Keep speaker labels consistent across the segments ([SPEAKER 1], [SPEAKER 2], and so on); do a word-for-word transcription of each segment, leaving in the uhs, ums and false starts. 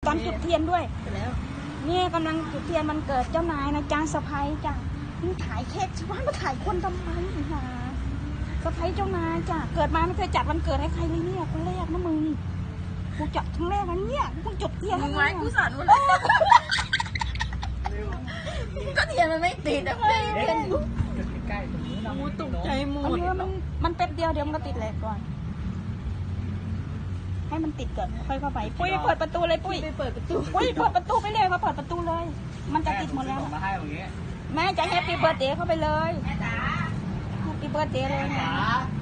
[SPEAKER 1] การจุดเทียนด้วย
[SPEAKER 2] ไปแล้ว
[SPEAKER 1] เนี่ยกำลังจุดเทียนมันเกิดเจ้านายนะจ้าสะพ้ายจ้ะนี่ถ่ายเค้กสิว่ามาถ่ายคนทำไมหาสะพ้ายเจ้านายจ้ะเกิดมาไม่เคยจัดวันเกิดให้ใครเลยเนี่ยคนแรกนะมึงกูจัดครั้งแรกนะเนี่ยกูจุดเทียน
[SPEAKER 2] มึงไม้กูสั่นหมดเลยก็เทียนมันไม่ติดอะเพื่อนเทียนอยู่ใกล้ตรงนี้เราตกใจหม
[SPEAKER 1] เอ
[SPEAKER 2] ด
[SPEAKER 1] อมันมันแป๊บเดียวเดี๋ยวมันก็ติดแหลกก่อน ให้มันติดก่อนค่อยเข้าไปปุ้ยเปิดประตูเลยปุ้ย
[SPEAKER 2] ไปเปิดประตู
[SPEAKER 1] ปุ้ยเปิดประตูไปเลยเขาเปิดประตูเลย มันจะติดหมดแล้ว
[SPEAKER 3] มาให้ตรงนี้
[SPEAKER 1] แม่จะแฮปปี้เบิร์ดเดย์เข้าไปเลยแม่จ๋าแฮปปี้เบิร์ดเดย์เลยนะ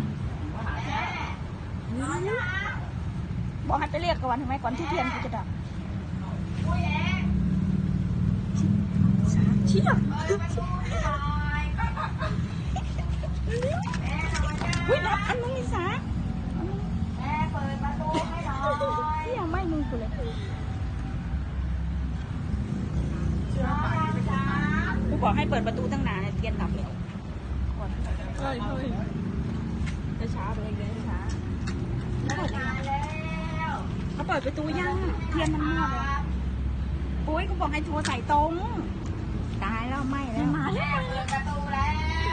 [SPEAKER 1] บอกให้ไปเรียกก่อนทำไมก่อนที่เทียนกูจะดับเชี่ยอุ้ยดับอันนึงนี่สาแม่เปิดประตูให้หน่อยเชี่ยไม่มึงกูเลยกูบอกให้เปิดประตูตั้งนานเทียนดับแล้ว
[SPEAKER 2] เฮ้ยเฮ้ยจะช้าไปเองช้า
[SPEAKER 1] เขาเปิดประตูยังเทียนมันมั่วเลยปุ้ยกูบอกให้โทรใส่ตรงตายแล้วไม่แล้วมาแล้วเปิดประตูแล้ว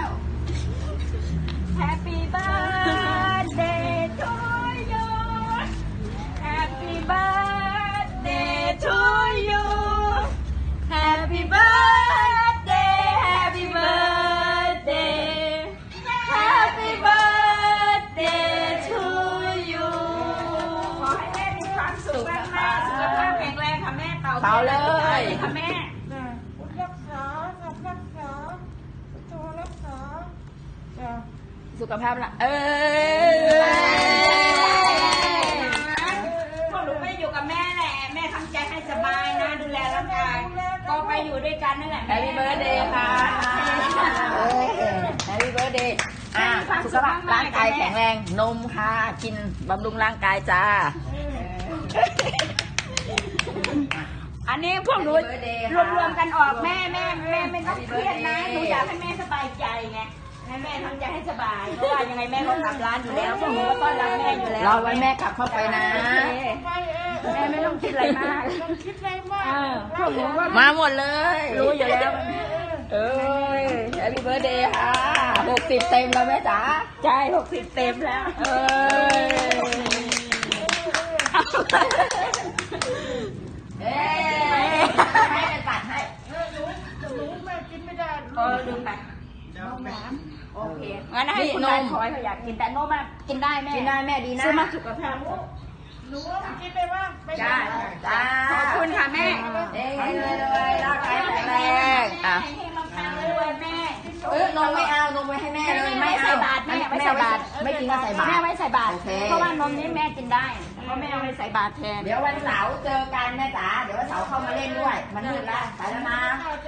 [SPEAKER 1] Happy birthday to you Happy birthday to you Happy birthday Happy birthday Happy birthday to you ขอให้แม่มีความสุขมากๆสุขภาพแข็งแรงค่ะแม่เต่า
[SPEAKER 2] เป่าเลย
[SPEAKER 1] ค่ะแม่
[SPEAKER 4] รักษาสับรักษาตัวรักษาจ้ะ
[SPEAKER 2] สุขภาพละเออ
[SPEAKER 1] พวกหนูไม่อยู่กับแม่แหละแม่ทำใจให้สบายนะดูแลร่างกายก็ไปอยู่ด้วยกันนั่นแหละ
[SPEAKER 2] แฮปปี้เบิร์ดเดย์ค่ะแฮปปี้เบิร์ดเดย์อ่ะสุขภาพร่างกายแข็งแรงนมค่ะกินบำรุงร่างกายจ้า
[SPEAKER 1] อันนี้พวกหนู
[SPEAKER 2] Happy birthday
[SPEAKER 1] รวมรวมๆกันออกแม่แม่แม่ไม่ต้องเครียดนะหนูอยากให้แม่สบายใจไงให้แม่ทำใจให้สบายเพราะว่ายังไงแม่ก็กลับร้านอยู่แล้วพวกหนูก็ต้อนรับแม่อยู่แล้ว
[SPEAKER 2] รอไว้แม่กลับเข้าไปนะ
[SPEAKER 4] ไปเอง
[SPEAKER 1] แม่ไม่ต้องคิดอะไรมาก
[SPEAKER 4] ต้องคิดอะไรมาก
[SPEAKER 1] เออพวกหนูก็
[SPEAKER 2] มาหมดเลย
[SPEAKER 1] รู้อยู่แล้ว
[SPEAKER 2] เอ้ยแฮปปี้เบิร์ดเดย์ค่ะหกสิบเต็มแล้วแม่จ๋า
[SPEAKER 1] ใช่หกสิบเต็มแล้ว
[SPEAKER 2] เอ้ยเอ้ยให้เป็นปัดให้
[SPEAKER 4] หนูหนูแม่กินไม่ได้
[SPEAKER 1] เออลืมไปโอเคงั้นให้คุณนายขอให้เขาอยากกินแต่โน้มกินได้แม่
[SPEAKER 2] กินได้แม่ดีนะ
[SPEAKER 1] ซื้อมาสุขภาพ
[SPEAKER 4] หนูว่ากินได้บ้างไม่ได้
[SPEAKER 2] จ้า
[SPEAKER 1] ขอบคุณค่ะแม่
[SPEAKER 2] เอ้ยเลยเลยร่างกายแข็งแรงอ่ะ
[SPEAKER 1] ให้เราทานด้วยแม่
[SPEAKER 2] เออนมไม่เอานมไว้ให้แม่เลย
[SPEAKER 1] ไม่
[SPEAKER 2] ไม่
[SPEAKER 1] ใส่
[SPEAKER 2] เอา
[SPEAKER 1] บาตรแม่
[SPEAKER 2] ไม่
[SPEAKER 1] ไม่
[SPEAKER 2] ใส่
[SPEAKER 1] ใส่
[SPEAKER 2] บา
[SPEAKER 1] บา
[SPEAKER 2] ต
[SPEAKER 1] ต
[SPEAKER 2] ร
[SPEAKER 1] ร
[SPEAKER 2] ไม่กินก็ใส่บาตร
[SPEAKER 1] แม่ไม่ใส่บาตร
[SPEAKER 2] โอเค
[SPEAKER 1] เพราะว่านมนี้แม่กินได้เพราะแม่เอาไปใส่บาตรแทน
[SPEAKER 2] เดี๋ยววันเสาร์เจอกันแม่จ๋าเดี๋ยววันเสาร์เข้ามาเล่นด้วย มันมืดแล้วไปแล้วนะ